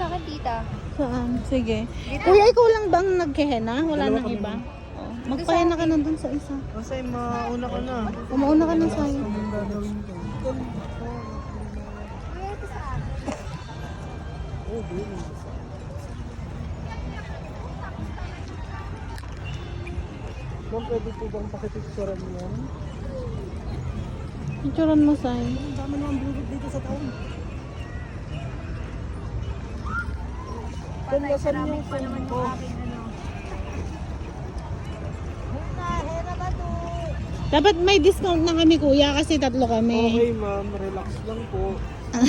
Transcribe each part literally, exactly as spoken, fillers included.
akin, tita. Saan? Sige. Kuya, ikaw lang bang nagkehena? Wala Dalawa nang kami, iba? ma'am. Oh. Magpahena ka na dun sa isa. Kasi mauna ka na. Umauna ka na sa'yo. Anong gagawin ko? Kuya, ito sa akin. Oh, baby. Ma'am, pwede po bang pakipicturean mo yan? Picturean mo sa'yo. Ang dami naman bulog dito sa taon. Kung nasan yung phone ko? Dapat may discount na kami kuya kasi tatlo kami. Okay ma'am, relax lang po.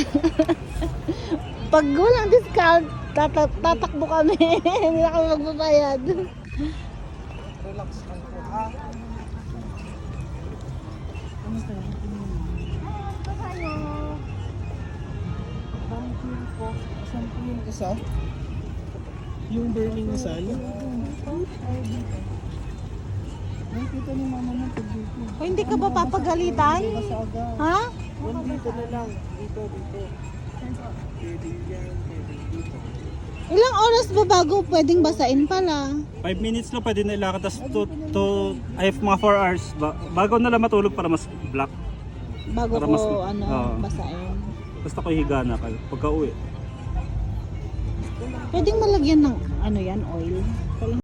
Pag walang discount, tata tatakbo kami. Hindi na kami magbabayad. Relax lang po ha. Ano tayo? Thank you po. Saan po yung isa? Yung burning sun? Nakita ni mama mo pag dito. O hindi ka ba papagalitan? Masaga. Ha? One dito na lang. Dito, dito. Pwede yan, pwede dito. Ilang oras ba bago pwedeng basain pala? five minutes lang pwede na ilakad. Tapos to, to, ay mga four hours. Ba, bago na lang matulog para mas black. Bago Para ko mas- ano oo. basain. Basta ko higa na kayo. Pagka uwi. Pwedeng malagyan ng ano yan, oil.